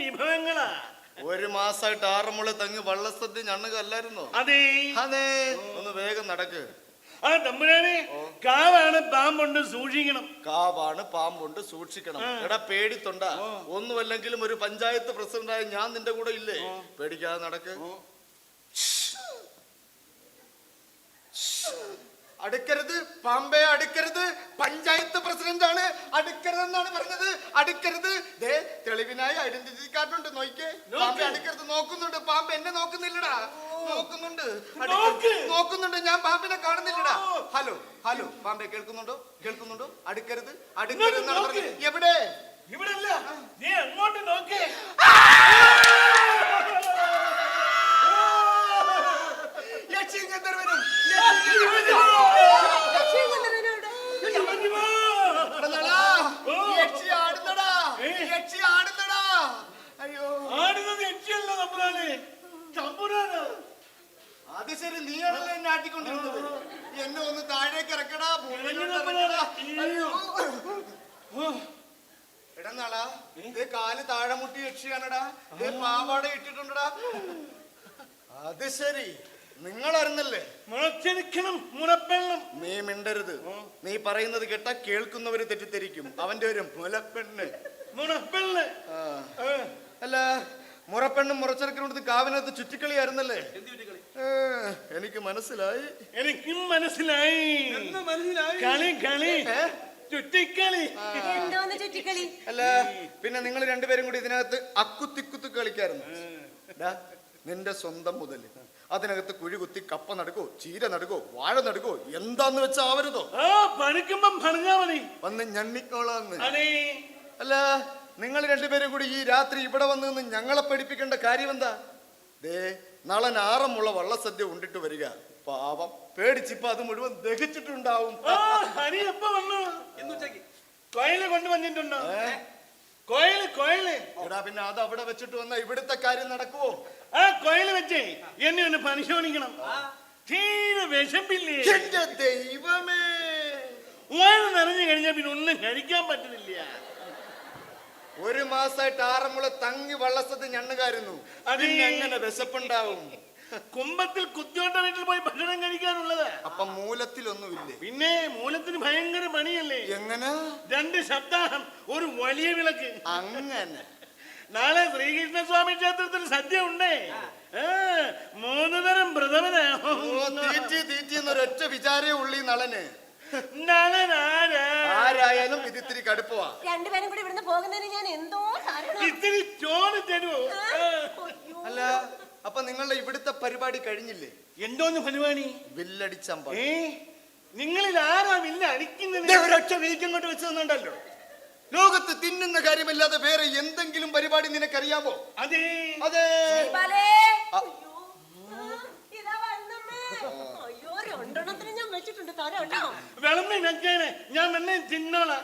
വിഭവങ്ങളാ. ഒരു മാസമായിട്ട് ആറന്മുള തങ്ങി വള്ളസദ്യ ഞണ്ണുക അല്ലായിരുന്നോ? അതെ അതെ. ഒന്ന് വേഗം നടക്ക്. ആ തമ്പുരാനെ, കാവാണ് പാമ്പുണ്ട് സൂക്ഷിക്കണം. കാവാണ് പാമ്പുണ്ട് സൂക്ഷിക്കണം. എടാ പേടിത്തൊണ്ട, ഒന്നുമല്ലെങ്കിലും ഒരു പഞ്ചായത്ത് പ്രസിഡന്റായ ഞാൻ നിന്റെ കൂടെ ഇല്ലേ? പേടിക്കാതെ നടക്ക്. അടുക്കരുത് പാമ്പേ, അടുക്കരുത്. പഞ്ചായത്ത് പ്രസിഡന്റ് ആണ്, അടുക്കരുതെന്നാണ് പറഞ്ഞത്. അടുക്കരുത്. ദേ തെളിവിനായി ഐഡന്റിറ്റി കാർഡ് ഉണ്ട്, നോക്കിക്കേ. പാമ്പേ അടുക്കരുത്. നോക്കുന്നുണ്ട് പാമ്പ്, എന്നെ നോക്കുന്നില്ലടാ. നോക്കുന്നുണ്ട്, നോക്കുന്നുണ്ട്. ഞാൻ പാമ്പിനെ കാണുന്നില്ലടാ. ഹലോ ഹലോ പാമ്പേ, കേൾക്കുന്നുണ്ടോ? കേൾക്കുന്നുണ്ടോ? അടുക്കരുത്, അടുക്കരുത് എന്നാണ് പറഞ്ഞത്. എവിടെ? ഇവിടെ അല്ല, നീ അങ്ങോട്ട് നോക്കേ. അത് ശരി, നീയാണല്ലോ എന്നെ ആട്ടിക്കൊണ്ടിരുന്നത്. എന്നെ ഒന്ന് താഴേക്ക് ഇറക്കടാ. എടന്നാളാ, ഇതേ കാല് താഴെ മുട്ടി യക്ഷിയാണടാ. ഇതേ പാവാട ഇട്ടിട്ടുണ്ടടാ. അത് ശരി, നിങ്ങൾ അറിഞ്ഞല്ലേ? മുളച്ചെടുക്കണം മുളപ്പെണ്ണം. നീ മിണ്ടരുത്. നീ പറയുന്നത് കേട്ടാ കേൾക്കുന്നവര് തെറ്റിദ്ധരിക്കും. അവന്റെ ഒരു മുലപ്പെണ്ണ്. മുളപ്പെണ്ണ് അല്ല, മുറപ്പെണ്ണും മുറച്ചെടുക്കണത് കാവിനകത്ത് ചുറ്റിക്കളിയായിരുന്നല്ലേ? എനിക്ക് മനസ്സിലായി. എനിക്കും മനസ്സിലായി. കളി കളി ചുറ്റിക്കളി. അല്ല, പിന്നെ നിങ്ങൾ രണ്ടുപേരും കൂടി ഇതിനകത്ത് അക്കുത്തിക്കുത്ത് കളിക്കായിരുന്നു. നിന്റെ സ്വന്തം മുതല് അതിനകത്ത് കുഴി കുത്തി കപ്പ നടുക്കോ, ചീര നടുക്കോ, വാഴ നടുക്കോ, എന്താന്ന് വെച്ചാ ആവരുതോ? പണിക്കുമ്പം പറഞ്ഞാ മതി, വന്ന് ഞണ്ണിക്കോളാന്ന്. അല്ല, നിങ്ങൾ രണ്ടുപേരും കൂടി ഈ രാത്രി ഇവിടെ വന്ന് നിന്ന് ഞങ്ങളെ പഠിപ്പിക്കേണ്ട കാര്യം എന്താ? ദേ നാളെ ആറന്മുള വള്ളസദ്യ ഉണ്ടിട്ട് വരിക. പാവം പേടിച്ചിപ്പോ അത് മുഴുവൻ ദഹിച്ചിട്ടുണ്ടാവും. കോയില് കൊണ്ടുവന്നിട്ടുണ്ടോ? കോയില് കോയില്. എടാ, പിന്നെ അത് അവിടെ വെച്ചിട്ട് വന്ന ഇവിടുത്തെ കാര്യം നടക്കുവോ? ആ കോയില് വെച്ചേ എന്നെ ഒന്ന് പരിശോധിക്കണം. തീരെ വിശപ്പില്ലേ? എന്റെ ദൈവമേ, വയറ് നിറഞ്ഞു കഴിഞ്ഞാൽ പിന്നെ ഒന്നും കഴിക്കാൻ പറ്റുന്നില്ല. ഒരു മാസമായിട്ട് ആറന്മുള തങ്ങി വള്ളസദ്യ ഞണ്ണുകാരുന്നു. അതിനെങ്ങനെ വിശപ്പുണ്ടാവും? കുമ്പത്തിൽ കുത്തിയോട്ട വീട്ടിൽ പോയി ഭക്ഷണം കഴിക്കാനുള്ളത്. അപ്പൊ മൂലത്തിലൊന്നുമില്ലേ? പിന്നെ മൂലത്തിന് ഭയങ്കര പണിയല്ലേ. എങ്ങനെ? 2 സപ്താഹം ഒരു വലിയ വിളക്ക്. അങ്ങനെ നാളെ ശ്രീകൃഷ്ണസ്വാമി ക്ഷേത്രത്തിൽ സദ്യ ഉണ്ടേ. 3 തരം വ്രതമനാ. തീറ്റി എന്നൊരൊറ്റ വിചാരേ ഉള്ളി നളന്. ആരായാലും ഇത് ഇത്തിരി കടുപ്പവാ. രണ്ടുപേരും കൂടി ഇവിടുന്ന് പോകുന്നതിന് ഞാൻ എന്തോ ഇത്തിരി ചോറ് തരുമോ? അല്ല, അപ്പൊ നിങ്ങളുടെ ഇവിടുത്തെ പരിപാടി കഴിഞ്ഞില്ലേ? എന്തോന്ന് പരിപാടി? വില്ലടിച്ചമ്പ. നിങ്ങളിൽ ആരാ വില്ല അടിക്കുന്നത്? ഒരൊറ്റ വീക്കങ്ങോട്ട് വെച്ച് തന്നുണ്ടല്ലോ. ലോകത്ത് തിന്നുന്ന കാര്യമല്ലാതെ വേറെ എന്തെങ്കിലും പരിപാടി നിനക്കറിയാമോ? അതെ അതെ. വിളമ്പി വെച്ചേനെ, ഞാൻ എന്നെ തിന്നോളാം.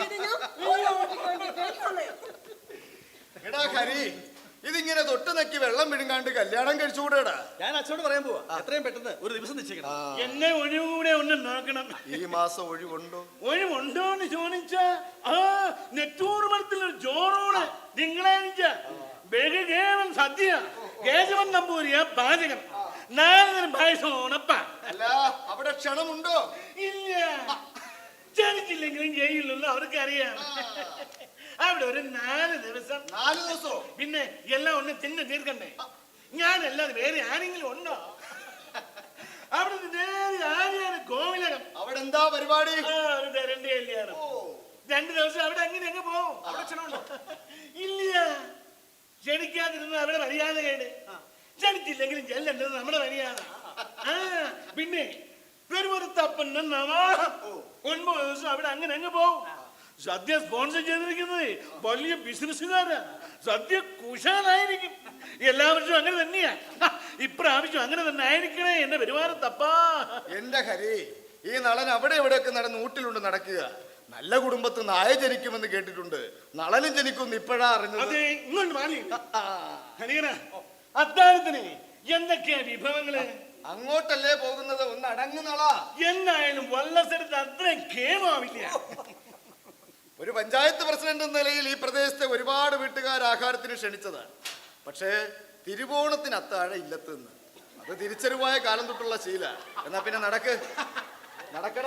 എടാ ഹരി, ഇതിങ്ങനെ തൊട്ട് നക്കി വെള്ളം വിഴുങ്ങാണ്ട് കല്യാണം കഴിച്ചുകൂടാ. ഞാൻ അച്ഛനോട് പറയാൻ പോവാ, എത്രയും പെട്ടെന്ന് ഒരു ദിവസം നിശ്ചയിക്കണം. എന്നെ ഒഴിവുകൂടെ ഒന്ന് നോക്കണം. ഈ മാസം ഒഴിവുണ്ടോ? ഒഴിവുണ്ടോ എന്ന് ചോദിച്ചാ നെറ്റൂർമലത്തിലൊരു ചോറോട് തിങ്കളാഴ്ച ബഹുകേവൻ സദ്യ. കേശവൻ നമ്പൂരിയ പാചകം. 4 തരം പായസം ഉണപ്പ. അല്ല, അവിടെ ക്ഷണമുണ്ടോ? ഇല്ല, ക്ഷണിച്ചില്ലെങ്കിലും ചെയ്യില്ലല്ലോ, അവർക്കറിയാം. അവിടെ ഒരു 4 ദിവസം. 4 ദിവസോ? പിന്നെ എല്ലാം ഒന്ന് തിന്ന് തീർക്കണ്ടേ? ഞാനല്ലാതെ വേറെ ആരെങ്കിലും ഉണ്ടോ? അവിടെ നേരെ ആര്യാണ് കോവിലകം. അവിടെ എന്താ പരിപാടി? ഒരു തരണ്ട കല്യാണം. 2 ദിവസം അവിടെ അങ്ങനെ അങ്ങ് പോവും. അവിടെ ക്ഷണമുണ്ടോ? ഇല്ല, ക്ഷണിക്കാതിരുന്ന അവിടെ മര്യാദ കേട്. ക്ഷണിച്ചില്ലെങ്കിലും ചെല്ലേണ്ടത് നമ്മുടെ മര്യാദ. പിന്നെ പെരുമുറത്തപ്പൻ 9 ദിവസം അവിടെ അങ്ങനെ അങ്ങ് പോവും. സദ്യ സ്പോൺസർ ചെയ്തിരിക്കുന്നത് വലിയ ബിസിനസ്സുകാരാ. സദ്യ കുശാലായിരിക്കും. എല്ലാ വർഷവും അങ്ങനെ തന്നെയാ. ഇപ്രാവശ്യം അങ്ങനെ തന്നെ ആയിരിക്കണേ എന്റെ പെരുമാറത്തപ്പാ. എന്റെ ഹരി, ഈ നളൻ അവിടെ എവിടെയൊക്കെ നടന്ന് ഊട്ടിലുണ്ട് നടക്കുക. നല്ല കുടുംബത്ത് നായ ജനിക്കുമെന്ന് കേട്ടിട്ടുണ്ട്. നളനും ജനിക്കുമെന്ന് ഇപ്പോഴാ അറിഞ്ഞത്. അതെ, ഇങ്ങോട്ട് മാറി. അത്താഴത്തിന് എന്തൊക്കെയാ വിഭവങ്ങള്? അങ്ങോട്ടല്ലേ പോകുന്നത്? ഒന്ന് അടങ്ങുന്നളാ. എന്നായാലും വള്ളസരത്ത് അത്രയും കേമാവില്ല. ഒരു പഞ്ചായത്ത് പ്രസിഡന്റ് എന്ന നിലയിൽ ഈ പ്രദേശത്തെ ഒരുപാട് വീട്ടുകാർ ആഹാരത്തിന് ക്ഷണിച്ചതാണ്. പക്ഷേ തിരുവോണത്തിന് അത്താഴം ഇല്ലത്ത് നിന്ന് അത് തിരിച്ചറിവായ കാലം തൊട്ടുള്ള ശീല. എന്നാ പിന്നെ നടക്കടാ.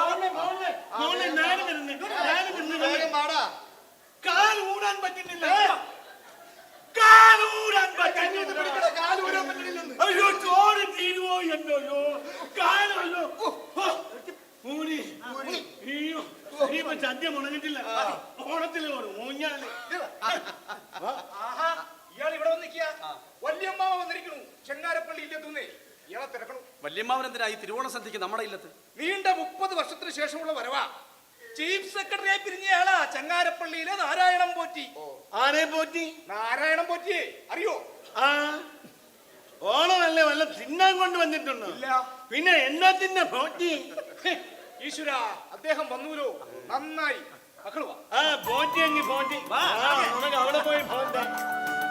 വേഗം വാടാ. കാൽ ഊരാൻ പറ്റുന്നില്ല. അയ്യോ ചോറ് തീരുവോ എന്നോ കാലല്ലോ. ഇനിയിപ്പോ സദ്യ മുടങ്ങിട്ടില്ല. ഓണത്തില് ഊഞ്ഞാല്. ഇയാൾ ഇവിടെ വന്നിരിക്കുക. വല്യമ്മാവ വന്നിരിക്കണു. ചെങ്ങാരപ്പള്ളി ഇല്ലെത്തുന്നേ. ഇയാളെ തിരക്കണു. വല്യമ്മാവൻ എന്തിനാ ഈ തിരുവോണ സദ്യക്ക് നമ്മുടെ ഇല്ലത്ത്? നീണ്ട 30 വർഷത്തിന് ശേഷമുള്ള വരവാ. ചീഫ് സെക്രട്ടറിയായി പിരിഞ്ഞയാളാ ചെങ്ങാരപ്പള്ളിയിലെ നാരായണം പോറ്റി. ആരെ പോറ്റി? നാരായണം പോറ്റിയെ അറിയോ? ആ ഓണമല്ലേ വല്ല തിന്നാൻ കൊണ്ട് വന്നിട്ടുണ്ടോ? ഇല്ല. പിന്നെ എന്നത്തിന്റെ പോറ്റി? ഈശ്വര, അദ്ദേഹം വന്നൂലോ, നന്നായി. മക്കളുവാ. ആ പോറ്റി എങ്കിൽ പോറ്റി.